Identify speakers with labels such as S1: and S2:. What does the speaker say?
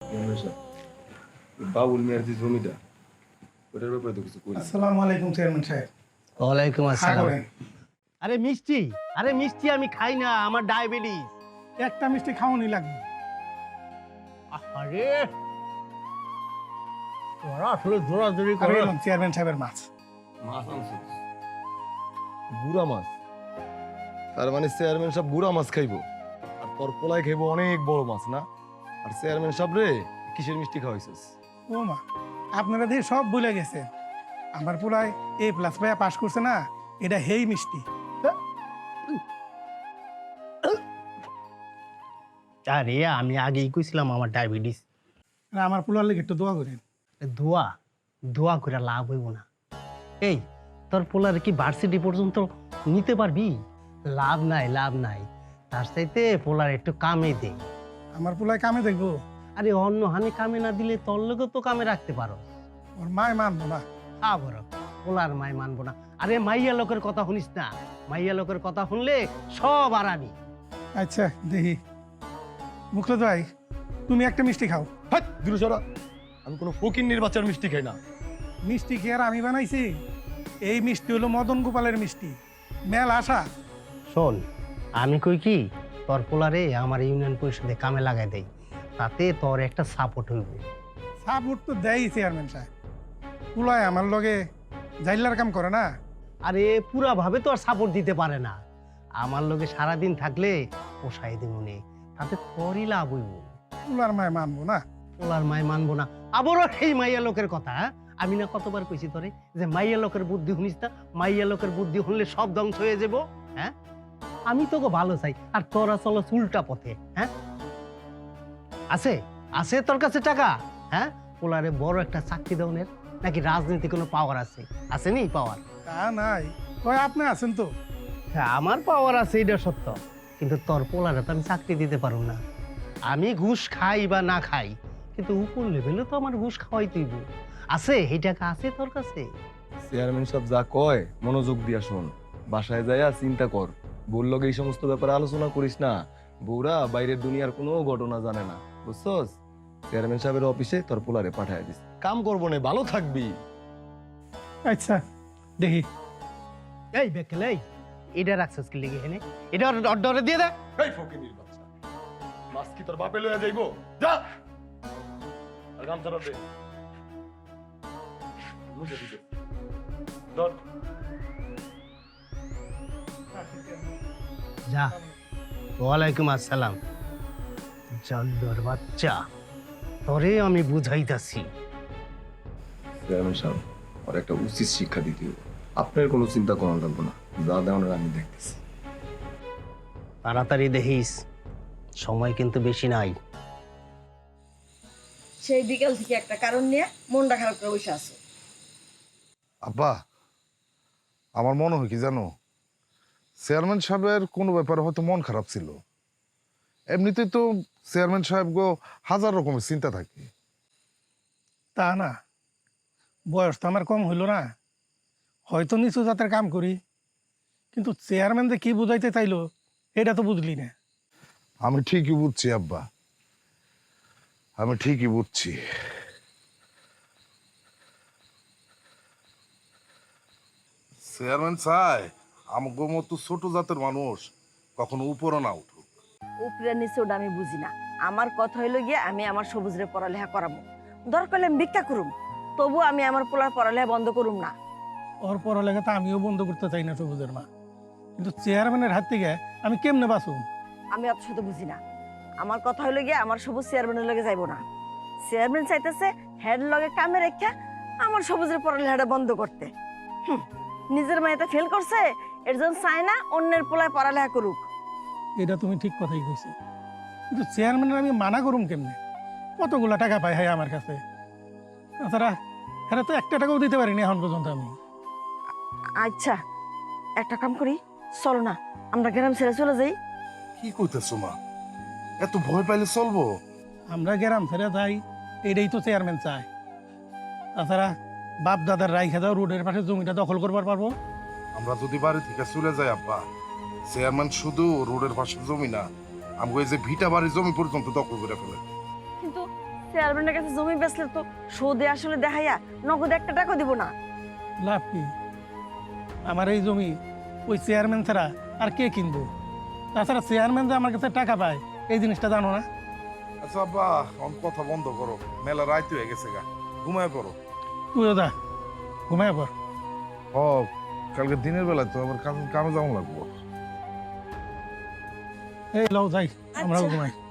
S1: বাবুল মিয়ার যে জমিটা ওটার ব্যাপারে তো কিছু করি।
S2: আসসালামু আলাইকুম চেয়ারম্যান সাহেব।
S3: ওয়ালাইকুম আসসালাম।
S2: করেন?
S3: আরে মিষ্টি আমি খাই না, আমার ডায়াবেটিস।
S2: একটা মিষ্টি খাওয়ানি লাগবে।
S3: আরে তোরা আসলে জোরাজোরি
S2: আর
S3: করে।
S2: এলাম চেয়ারম্যান সাহেবের মাছ।
S1: মাছ আনছিস?
S4: গুড়া মাছ? তার মানে চেয়ারম্যান সাহেব গুড়া মাছ খাইবো আর তোর পোলায় খাইবো অনেক বড় মাছ না? আর চেয়ারম্যান সাহেব রে কিসের মিষ্টি খাওয়াইছিস?
S2: ও মা, আপনারা দিয়ে সব ভুলে গেছে। আমার পুরায় A+ পাইয়া পাস করছে না, এটা হেই মিষ্টি।
S3: আরে আমি আগেই কইছিলাম আমার ডায়াবেটিস।
S2: আর আমার পুলার লেগে একটু দোয়া করেন।
S3: দোয়া দোয়া করে লাভ হইব না। এই তোর পোলার কি ভার্সিটি পর্যন্ত নিতে পারবি? লাভ নাই, লাভ নাই। তার চাইতে পোলার একটু কামে দে।
S2: আমার পুলায় কামে দেখবো,
S3: আরে অন্য হানি কামে না দিলে তোর লোকও তো কামে রাখতে পারো।
S2: ওর মায় মানবো না।
S3: আবার পোলার মাই মানবো না? আরে মাইয়া লোকের কথা শুনিস না, মাইয়া লোকের কথা শুনলে সব আরামি।
S2: আচ্ছা দেখি। মুখলেদ ভাই, তুমি একটা মিষ্টি খাও।
S4: হাট দূরে সরা, আমি কোনো ফকিন্নির বাচ্চার মিষ্টি খাই না।
S2: মিষ্টি কি আর আমি বানাইছি? এই মিষ্টি হলো মদন গোপালের মিষ্টি, মেল আশা।
S3: শোন, আমি কই কি তোর পোলারে আমার ইউনিয়ন পরিষদে কামে লাগাই দেই, তাতে তোর একটা সাপোর্ট হইব।
S2: সাপোর্ট তো দেয় চেয়ারম্যান সাহেব। পুলায় আমার লগে জাইলার কাম করে না।
S3: আরে পুরা ভাবে তো আর সাপোর্ট দিতে পারে না। আমার লগে সারাদিন থাকলে পোষাই দেবনে, তাতে তোরই লাভ হইব।
S2: পুলার মায় মানবো না।
S3: পোলার মাই মানবো না? আবারও সেই মাইয়া লোকের কথা, হ্যাঁ? আমি না কতবার কইছি তোরে যে মাইয়া লোকের বুদ্ধি শুনিস না, মাইয়া লোকের বুদ্ধি শুনলে সব ধ্বংস হয়ে যাব। হ্যাঁ, আমি তোকে ভালো চাই আর তোরা চলো উল্টা পথে। হ্যাঁ, আছে আছে তোর কাছে টাকা? হ্যাঁ, পোলারে বড় একটা চাকরি দেওয়ার নাকি রাজনীতি কোনো পাওয়ার আছে? আসেনি পাওয়ার?
S2: তা নাই, কয় আপনি আছেন তো।
S3: হ্যাঁ, আমার পাওয়ার আছে, এটা সত্য। কিন্তু তোর পোলারে তো আমি চাকরি দিতে পারবো না। আমি ঘুষ খাই বা না খাই, কিন্তু উপর লেভেলে তো আমার ঘুষ খাওয়াই তুইব। আছে এই টাকা আছে তোর কাছে?
S4: চেয়ারম্যান সাহেব যা কয় মনোযোগ দিয়া শোন, বাসায় যাইয়া চিন্তা কর। বউর লগে এই সমস্ত ব্যাপারে আলোচনা করিস না। বউরা বাইরের দুনিয়ার কোনো ঘটনা জানে না, বুঝছস? চেয়ারম্যান সাহেবের অফিসে তোর পোলারে পাঠায় দিস, কাম করবো না, ভালো থাকবি।
S2: আচ্ছা দেখি।
S3: এই বেকেল, এই এটা রাখছিস কি লেগে এনে? এটা অর্ডারে দিয়ে দে।
S4: এই ফকিনির বাচ্চা, মাছ কি তোর বাপে লইয়া যাইবো? যা আর গামছাটা দে। মুছে দিতে ধর।
S3: যা। ওয়ালাইকুম আসসালাম। জল্দর বাচ্চা, তোরে আমি বুঝাইতাছি।
S1: চেয়ারম্যান সাহেব আর একটা উচিত শিক্ষা দিতে হবে। আপনার কোনো চিন্তা করা লাগবে না, যা দেওয়ার আমি দেখতেছি।
S3: তাড়াতাড়ি দেখিস, সময় কিন্তু বেশি নাই।
S5: সেই বিকেল থেকে একটা কারণ নিয়ে মনটা খারাপ করে বসে আছো।
S6: আব্বা, আমার মনে হয় কি জানো, চেয়ারম্যান সাহেবের কোনো ব্যাপারে হয়তো মন খারাপ ছিল। এমনিতেই তো চেয়ারম্যান সাহেব গো হাজার রকমের চিন্তা থাকে।
S2: তা না, বয়স তো আমার কম হইল না, হয়তো নিচু জাতের কাম করি, কিন্তু চেয়ারম্যান যে কি বুঝাইতে চাইলো এটা তো বুঝলি না।
S6: আমি ঠিকই বুঝছি আব্বা, আমি ঠিকই বুঝছি। চেয়ারম্যান চাই আমাকে মতো ছোট জাতের মানুষ কখনো উপরে না উঠুক।
S5: উপরে নিচে ওটা আমি বুঝি না। আমার কথা হইলো গিয়ে আমি আমার সবুজরে পড়ালেখা করাবো, দরকার হলে আমি ভিক্ষা করুম, তবু আমি আমার পোলার পড়ালেখা বন্ধ করুম না।
S2: ওর পড়ালেখা তো আমিও বন্ধ করতে চাই না সবুজের মা, কিন্তু চেয়ারম্যানের হাত থেকে আমি কেমনে বাঁচুম?
S5: আমি অত শত বুঝি না। আমার কথা হইলো গিয়ে আমার সবুজ চেয়ারম্যানের লগে যাইবো না। চেয়ারম্যান চাইতেছে হেড লগে কামে রেখা আমার সবুজের পড়ালেখাটা বন্ধ করতে। নিজের মেয়েটা ফেল করছে, এর জন্য চায় না অন্যের পোলায় পড়ালেখা করুক।
S2: এটা তুমি ঠিক কথাই কইছো, কিন্তু চেয়ারম্যানের আমি মানা করুম কেমনে? কতগুলা টাকা পাই হয় আমার কাছে, তাছাড়া হ্যাঁ তো একটা টাকাও দিতে পারিনি এখন পর্যন্ত আমি।
S5: আচ্ছা একটা কাম করি, চলো না আমরা গ্রাম ছেড়ে চলে যাই।
S6: কি কইতেছো মা, এত ভয় পাইলে চলবো?
S2: আমরা গ্রাম ছেড়ে যাই, এটাই তো চেয়ারম্যান চায়। তাছাড়া বাপ দাদার রাইখা যাও রোডের পাশে জমিটা দখল করবার পারবো।
S6: আমরা যদি বাড়ি থেকে চলে যাই আব্বা, চেয়ারম্যান শুধু রোডের পাশে জমি না, আমাকে এই যে ভিটা বাড়ির জমি পর্যন্ত দখল করে ফেলে।
S5: কিন্তু চেয়ারম্যানের কাছে জমি বেচলে তো সুদে আসলে দেখাইয়া নগদ একটা টাকা দিব না।
S2: লাভ কি? আমার এই জমি ওই চেয়ারম্যান ছাড়া আর কে কিনবো? তাছাড়া চেয়ারম্যান যে আমার কাছে টাকা পায় এই জিনিসটা জানো না?
S6: আচ্ছা আব্বা অন কথা বন্ধ করো, মেলা রাত হয়ে গেছে গা, ঘুমায় পড়ো।
S2: তুইও যা, ঘুমায় পর।
S6: ও কালকে দিনের বেলায় তো আবার কামে যাওয়া লাগবো।
S2: এই লও যাই, আমরাও
S5: আচ্ছা।
S2: ঘুমাই।